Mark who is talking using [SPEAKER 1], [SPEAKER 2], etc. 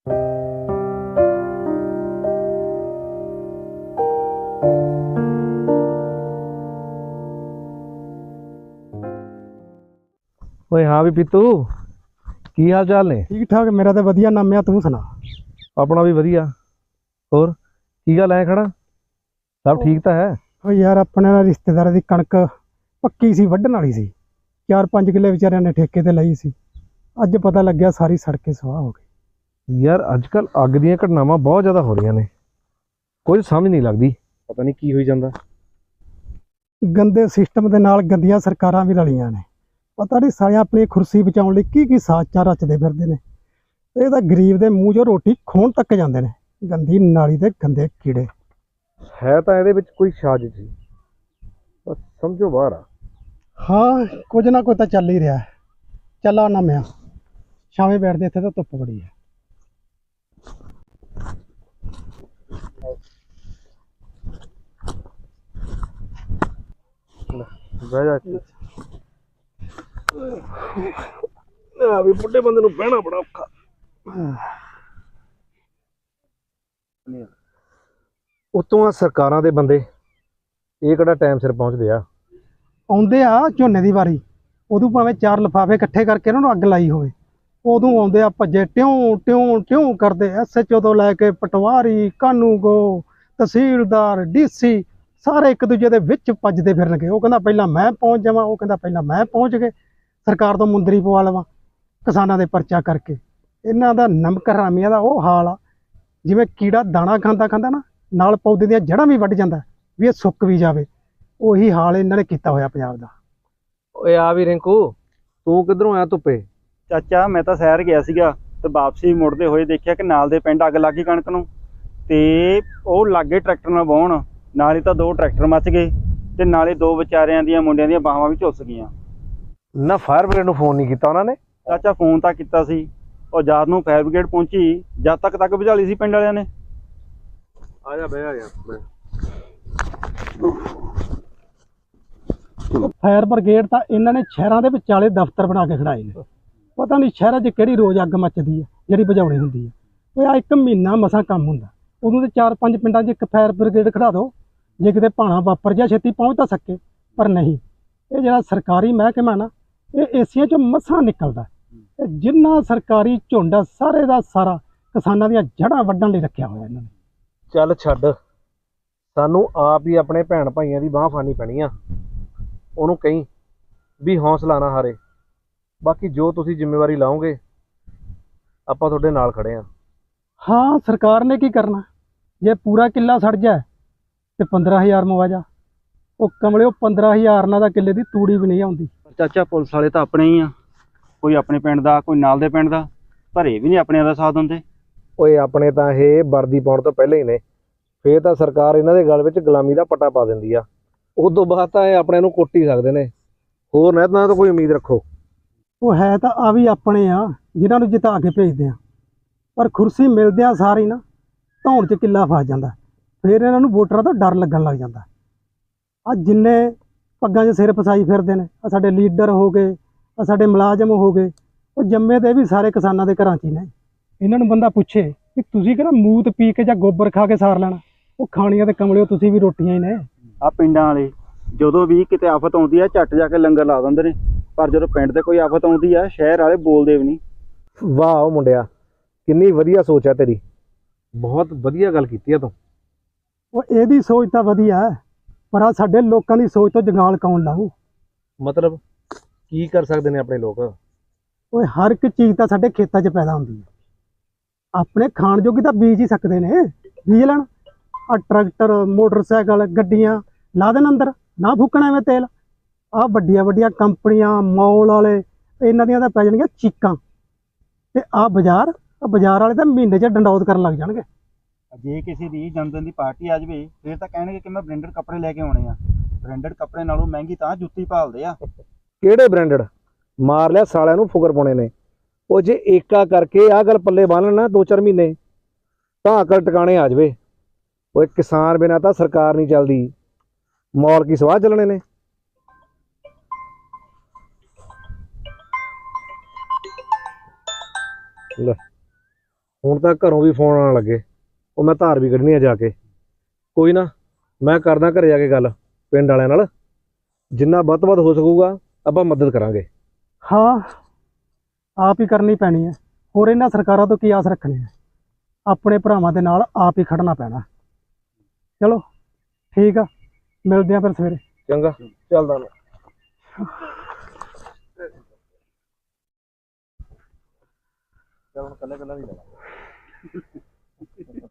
[SPEAKER 1] ਓਏ हाँ भी पीतू की हाल चाल ने?
[SPEAKER 2] ठीक ठाक मेरा तो वधिया नाम है। तू सुना?
[SPEAKER 1] अपना भी वधिया। होर की गल है खड़ा? सब ठीक तो है?
[SPEAKER 2] ओ यार अपने ना रिश्तेदार की कणक पक्की सी वड्ढण वाली सी। 4-5 किले विचारियां ने ठेके ते लई सी। अज पता लग गया सारी सड़कें स्वाह हो गई।
[SPEAKER 1] यार अजकल अग दी घटनावां बहुत ज़्यादा हो रही ने, कुछ समझ नहीं लगती, पता नहीं की होई जांदा।
[SPEAKER 2] गंदे सिस्टम के नाल गंदियां सरकारां भी रलियां ने। पता नहीं सारे अपनी खुर्सी बचाउण लई की साज़िशां रचदे फिरदे ने। ਇਹ ਤਾਂ गरीब के मूँह 'चों रोटी खोण तक जाते हैं। गंदी नाली के गंदे कीड़े
[SPEAKER 1] है तो ये कोई साजिश ही, बस समझो बाहर आ।
[SPEAKER 2] हाँ कुछ ना कुछ तो चल ही रहा है। चल आना मैं शामी बैठते इतने तो धुप्प बड़ी है।
[SPEAKER 1] बुढ़े बंदे नूं बहना बड़ा औखा। उतों आ सरकारां दे बंदे ये किहड़ा टाइम सिर पहुंचदे आ।
[SPEAKER 2] आउंदे आ झोने की वारी, उदों भावें 4 लिफाफे इकट्ठे करके उन्होंने अग लाई होवे, उदों आउंदे आ भज्जे ट्यों ट्यों ट्यों करदे। SHO तो लैके पटवारी कानूगो तहसीलदार DC सारे एक दूजे के विच भजदे फिरनगे। वो कहंदा पहलां मैं पहुँच जावां, वो कहंदा पहलां मैं पहुँच गए, सरकार तो मुंदरी पवा लवां किसानां दे परचा करके। इन्हां दा नमक हरामियां दा वो हाल आ जिवें कीड़ा दाणा खांदा खांदा ना नाल पौधे दीयां जड़ां भी वड्ढ जांदा भी ये सुੱਕ भी जावे। ਉਹੀ ਹਾਲ ਇਹਨਾਂ ਨੇ ਕੀਤਾ ਹੋਇਆ ਪੰਜਾਬ ਦਾ।
[SPEAKER 1] ਓਏ ਆ ਵੀ ਰਿੰਕੂ, ਤੂੰ ਕਿੱਧਰੋਂ ਆਇਆ ਧੁੱਪੇ?
[SPEAKER 3] ਚਾਚਾ ਮੈਂ ਤਾਂ ਸ਼ਹਿਰ ਗਿਆ ਸੀਗਾ ਤੇ ਵਾਪਸੀ ਮੁੜਦੇ ਹੋਏ ਦੇਖਿਆ ਕਿ ਨਾਲ ਦੇ ਪਿੰਡ ਅੱਗ ਲੱਗ ਗਈ ਕਣਕ ਨੂੰ, ਤੇ ਉਹ ਲਾਗੇ ਟਰੈਕਟਰ ਨਾਲ ਵਾਹੁਣ, ਨਾਲ ਹੀ ਤਾਂ 2 ਟਰੈਕਟਰ ਮੱਚ ਗਏ ਤੇ ਨਾਲੇ 2 ਵਿਚਾਰਿਆਂ ਦੀਆਂ ਮੁੰਡਿਆਂ ਦੀਆਂ ਬਾਹਾਂ ਵੀ ਝੁੱਸ ਗਈਆਂ।
[SPEAKER 1] ਨਾ ਫਾਇਰ ਬ੍ਰਿਗੇਡ ਨੂੰ ਫੋਨ ਨਹੀਂ ਕੀਤਾ ਉਹਨਾਂ ਨੇ?
[SPEAKER 3] ਚਾਚਾ ਫੋਨ ਤਾਂ ਕੀਤਾ ਸੀ, ਉਹ ਜਦ ਨੂੰ ਫਾਇਰ ਬ੍ਰਿਗੇਡ ਪਹੁੰਚੀ ਜਦ ਤੱਕ ਬੁਝਾ ਲਈ ਸੀ ਪਿੰਡ ਵਾਲਿਆਂ ਨੇ।
[SPEAKER 1] ਆ ਜਾ ਬਹਿ ਆ ਯਾਰ।
[SPEAKER 2] ਫਾਇਰ ਬ੍ਰਿਗੇਡ ਤਾਂ ਇਹਨਾਂ ਨੇ ਸ਼ਹਿਰਾਂ ਦੇ ਵਿਚਾਲੇ ਦਫ਼ਤਰ ਬਣਾ ਕੇ ਖੜਾਏ ਨੇ। ਪਤਾ ਨਹੀਂ ਸ਼ਹਿਰਾਂ 'ਚ ਕਿਹੜੀ ਰੋਜ਼ ਅੱਗ ਮੱਚਦੀ ਹੈ ਜਿਹੜੀ ਬੁਝਾਉਣੀ ਹੁੰਦੀ ਹੈ। ਉਹ ਆ 1 ਮਹੀਨਾ ਮਸਾਂ ਕੰਮ ਹੁੰਦਾ, ਉਦੋਂ ਤੇ 4-5 ਪਿੰਡਾਂ 'ਚ ਇੱਕ ਫਾਇਰ ਬ੍ਰਿਗੇਡ ਖੜਾ ਦਿਓ ਜੇ ਕਿਤੇ ਭਾਣਾ ਵਾਪਰ ਜਾ ਛੇਤੀ ਪਹੁੰਚ ਤਾਂ ਸਕੇ। ਪਰ ਨਹੀਂ, ਇਹ ਜਿਹੜਾ ਸਰਕਾਰੀ ਮਹਿਕਮਾ ਨਾ ਇਹ ਏਸੀਆਂ 'ਚੋਂ ਮਸਾਂ ਨਿਕਲਦਾ। ਜਿੰਨਾ ਸਰਕਾਰੀ ਝੁੰਡ ਸਾਰੇ ਦਾ ਸਾਰਾ ਕਿਸਾਨਾਂ ਦੀਆਂ ਜੜ੍ਹਾਂ ਵੱਢਣ ਲਈ ਰੱਖਿਆ ਹੋਇਆ ਇਹਨਾਂ ਨੇ।
[SPEAKER 1] ਚੱਲ ਛੱਡ, ਸਾਨੂੰ ਆਪ ਹੀ ਆਪਣੇ ਭੈਣ ਭਾਈਆਂ ਦੀ ਬਾਂਹ ਫੜਨੀ ਪੈਣੀ ਆ। ਉਹਨੂੰ ਕਹੀਂ ਵੀ ਹੌਸਲਾ ਨਾ ਹਾਰੇ, ਬਾਕੀ ਜੋ ਤੁਸੀਂ ਜ਼ਿੰਮੇਵਾਰੀ ਲਾਓਗੇ ਆਪਾਂ ਤੁਹਾਡੇ ਨਾਲ ਖੜੇ ਆ।
[SPEAKER 2] ਹਾਂ ਸਰਕਾਰ ਨੇ ਕੀ ਕਰਨਾ, ਜੇ ਪੂਰਾ ਕਿੱਲਾ ਸੜ ਜਾਏ ਤੇ 15,000 ਮੁਆਵਜ਼ਾ। ਉਹ ਕਮਲਿਓ 15,000 ਨਾਲ ਤਾਂ ਕਿੱਲੇ ਦੀ ਤੂੜੀ ਵੀ ਨਹੀਂ ਆਉਂਦੀ।
[SPEAKER 3] ਚਾਚਾ ਪੁਲਿਸ ਵਾਲੇ ਤਾਂ ਆਪਣੇ ਹੀ ਆ, ਕੋਈ ਆਪਣੇ ਪਿੰਡ ਦਾ ਕੋਈ ਨਾਲ ਦੇ ਪਿੰਡ ਦਾ, ਭਰੇ ਵੀ ਨਹੀਂ ਆਪਣਿਆਂ ਦਾ ਸਾਥ ਦਿੰਦੇ।
[SPEAKER 1] ਓਏ ਆਪਣੇ ਤਾਂ ਇਹ ਵਰਦੀ ਪਾਉਣ ਤੋਂ ਪਹਿਲਾਂ ਹੀ ਨੇ, ਫੇਰ ਤਾਂ ਸਰਕਾਰ ਇਹਨਾਂ ਦੇ ਗਲ ਵਿੱਚ ਗੁਲਾਮੀ ਦਾ ਪੱਟਾ ਪਾ ਦਿੰਦੀ ਆ। ਉਦੋਂ ਬਾਅਦ ਤਾਂ ਇਹ ਆਪਣੇ ਨੂੰ ਕੁੱਟ ਹੀ ਸਕਦੇ ਨੇ, ਹੋਰ ਨਾ ਤਾਂ ਕੋਈ ਉਮੀਦ ਰੱਖੋ।
[SPEAKER 2] ਉਹ ਹੈ ਤਾਂ ਆ ਵੀ ਆਪਣੇ ਆ ਜਿਨ੍ਹਾਂ ਨੂੰ ਜਿਤਾ ਕੇ ਭੇਜਦੇ ਆ, ਪਰ ਕੁਰਸੀ ਮਿਲਦਿਆਂ ਸਾਰੀ ਨਾ ਧੌਣ 'ਚ ਕਿੱਲਾ ਫਸ ਜਾਂਦਾ। ਫਿਰ ਇਹਨਾਂ ਨੂੰ ਵੋਟਰਾਂ ਤੋਂ ਡਰ ਲੱਗਣ ਲੱਗ ਜਾਂਦਾ। ਆ ਜਿੰਨੇ ਪੱਗਾਂ 'ਚ ਸਿਰ ਫਸਾਈ ਫਿਰਦੇ ਨੇ, ਆ ਸਾਡੇ ਲੀਡਰ ਹੋ ਗਏ, ਆ ਸਾਡੇ ਮੁਲਾਜ਼ਮ ਹੋ ਗਏ, ਉਹ ਜੰਮੇ ਤੇ ਵੀ ਸਾਰੇ ਕਿਸਾਨਾਂ ਦੇ ਘਰਾਂ 'ਚ ਹੀ ਨੇ। ਇਹਨਾਂ ਨੂੰ ਬੰਦਾ ਪੁੱਛੇ ਕਿ ਤੁਸੀਂ ਕਿਹੜਾ ਮੂਤ ਪੀ ਕੇ ਜਾਂ ਗੋਬਰ ਖਾ ਕੇ ਸਾਰ ਲੈਣਾ, ਉਹ ਖਾਣੀਆਂ ਤੇ ਕਮਲਿਓ ਤੁਸੀਂ ਵੀ ਰੋਟੀਆਂ ਹੀ ਨੇ।
[SPEAKER 3] ਆ ਪਿੰਡਾਂ ਵਾਲੇ ਜਦੋਂ ਵੀ ਕਿਤੇ ਆਫਤ ਆਉਂਦੀ ਆ ਝੱਟ ਜਾ ਕੇ ਲੰਗਰ ਲਾ ਦਿੰਦੇ ਨੇ, ਪਰ ਜਦੋਂ ਪਿੰਡ ਤੇ ਕੋਈ ਆਫਤ ਆਉਂਦੀ ਆ ਸ਼ਹਿਰ ਵਾਲੇ ਬੋਲਦੇ ਵੀ ਨਹੀਂ।
[SPEAKER 1] ਵਾਹ ਮੁੰਡਿਆ, ਕਿੰਨੀ ਵਧੀਆ ਸੋਚ ਹੈ ਤੇਰੀ, ਬਹੁਤ ਵਧੀਆ ਗੱਲ ਕੀਤੀ ਆ ਤੂੰ।
[SPEAKER 2] ਉਹ ਇਹਦੀ ਸੋਚ ਤਾਂ ਵਧੀਆ ਹੈ, ਪਰ ਆ ਸਾਡੇ ਲੋਕਾਂ ਦੀ ਸੋਚ ਤੋਂ ਜੰਗਾਲ ਕੌਣ ਲਾਊ?
[SPEAKER 1] ਮਤਲਬ ਕੀ ਕਰ ਸਕਦੇ ਨੇ ਆਪਣੇ ਲੋਕ?
[SPEAKER 2] ਓਏ ਹਰ ਇੱਕ ਚੀਜ਼ ਤਾਂ ਸਾਡੇ ਖੇਤਾਂ 'ਚ ਪੈਦਾ ਹੁੰਦੀ ਹੈ, ਆਪਣੇ ਖਾਣ ਜੋਗੀ ਤਾਂ ਬੀਜ ਹੀ ਸਕਦੇ ਨੇ। ਬੀਜ ਲੈਣ, ਆ ਟਰੈਕਟਰ ਮੋਟਰਸਾਈਕਲ ਗੱਡੀਆਂ ਲਾ ਦੇਣ ਅੰਦਰ, ਨਾ ਫੂਕਣਾ ਐਵੇਂ ਤੇਲ। ਆ ਵੱਡੀਆਂ ਵੱਡੀਆਂ ਕੰਪਨੀਆਂ ਮੌਲ ਵਾਲੇ ਇਹਨਾਂ ਦੀਆਂ ਤਾਂ ਪੈ ਜਾਣਗੀਆਂ ਚੀਕਾਂ, ਤੇ ਆ ਬਾਜ਼ਾਰ ਵਾਲੇ ਤਾਂ ਮਹੀਨੇ 'ਚ ਡੰਡੌਤ ਕਰਨ ਲੱਗ ਜਾਣਗੇ।
[SPEAKER 3] ਜੇ ਕਿਸੇ ਦੀ ਜਨਮਦਿਨ ਦੀ ਪਾਰਟੀ ਆ ਜਾਵੇ ਫਿਰ ਤਾਂ ਕਹਿਣਗੇ ਕਿ ਮੈਂ ਬ੍ਰਾਂਡਡ ਕੱਪੜੇ ਲੈ ਕੇ ਆਉਣੇ ਆ। ਬ੍ਰਾਂਡਡ ਕੱਪੜੇ ਨਾਲੋਂ ਮਹਿੰਗੀ ਤਾਂ ਜੁੱਤੀ ਭਾਲਦੇ ਆ।
[SPEAKER 1] ਕਿਹੜੇ ਬ੍ਰਾਂਡਡ? ਮਾਰ ਲਿਆ ਸਾਲਿਆਂ ਨੂੰ, ਫੁਕਰ ਪਾਉਣੇ ਨੇ। ਉਹ ਜੇ ਏਕਾ ਕਰਕੇ ਆਹ ਗੱਲ ਪੱਲੇ ਬੰਨ ਲੈਣਾ 2-4 ਮਹੀਨੇ ਤਾਂ ਅਕਲ ਟਿਕਾਣੇ ਆ ਜਾਵੇ। ਉਹ ਕਿਸਾਨ ਬਿਨਾਂ ਤਾਂ ਸਰਕਾਰ ਨਹੀਂ ਚੱਲਦੀ, ਮੌਲ ਕੀ ਸਵਾਹ ਚੱਲਣੇ ਨੇ। ਲੈ ਹੁਣ ਤਾਂ ਘਰੋਂ ਵੀ ਫੋਨ ਆਉਣ ਲੱਗੇ, ਉਹ ਮੈਂ ਧਾਰ ਵੀ ਕੱਢਣੀ ਆ ਜਾ ਕੇ। ਕੋਈ ਨਾ, ਮੈਂ ਕਰਦਾ ਘਰੇ ਜਾ ਕੇ ਗੱਲ ਪਿੰਡ ਵਾਲਿਆਂ ਨਾਲ, ਜਿੰਨਾ ਵੱਧ ਤੋਂ ਵੱਧ ਹੋ ਸਕੂਗਾ ਆਪਾਂ ਮਦਦ ਕਰਾਂਗੇ।
[SPEAKER 2] ਹਾਂ, ਆਪ ਹੀ ਕਰਨੀ ਪੈਣੀ ਹੈ। ਹੋਰ ਇਹਨਾਂ ਸਰਕਾਰਾਂ ਤੋਂ ਕੀ ਆਸ ਰੱਖਣੀ ਹੈ? ਆਪਣੇ ਭਰਾਵਾਂ ਦੇ ਨਾਲ ਆਪ ਹੀ ਖੜਨਾ ਪੈਣਾ। ਚਲੋ ਠੀਕ ਆ, ਮਿਲਦੇ ਆ ਫਿਰ ਸਵੇਰੇ।
[SPEAKER 1] ਚੰਗਾ, ਚੱਲਦਾ ਮੈਂ। ਚੱਲ ਹੁਣ ਕੱਲਾ ਕੱਲਾ ਵੀ ਲੈ